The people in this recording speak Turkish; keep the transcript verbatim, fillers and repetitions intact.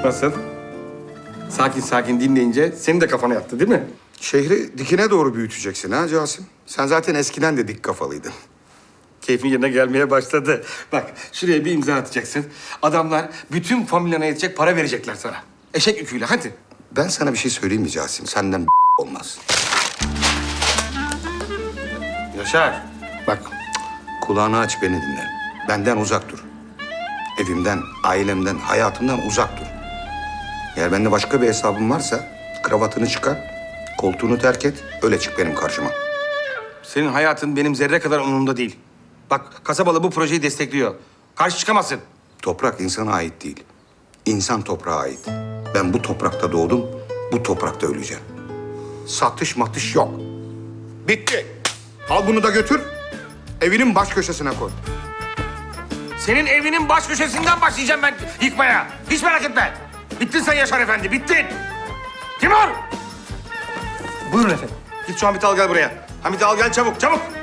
Nasıl? Sakin sakin dinleyince senin de kafana yattı değil mi? Şehri dikine doğru büyüteceksin ha Casim. Sen zaten eskiden de dik kafalıydın. Keyfin yerine gelmeye başladı. Bak şuraya bir imza atacaksın. Adamlar bütün familyana yetecek para verecekler sana. Eşek yüküyle hadi. Ben sana bir şey söyleyeyim mi Casim? Senden olmaz. Yaşar. Bak Kulağını aç, beni dinle. Benden uzak dur. Evimden, ailemden, hayatımdan uzak dur. Eğer bende başka bir hesabın varsa kravatını çıkar, koltuğunu terk et, öyle çık benim karşıma. senin hayatın benim zerre kadar umurumda değil. Bak kasabalı bu projeyi destekliyor. Karşı çıkamazsın. Toprak insana ait değil. İnsan toprağa ait. Ben bu toprakta doğdum, bu toprakta öleceğim. Satış matış yok. Bitti. Al bunu da götür, evinin baş köşesine koy. Senin evinin baş köşesinden başlayacağım ben yıkmaya. Hiç merak etme. Bittin sen Yaşar Efendi, bittin. Timur! Buyurun efendim. Git şu Hamit'i al gel buraya. Hamit'i al gel çabuk, çabuk.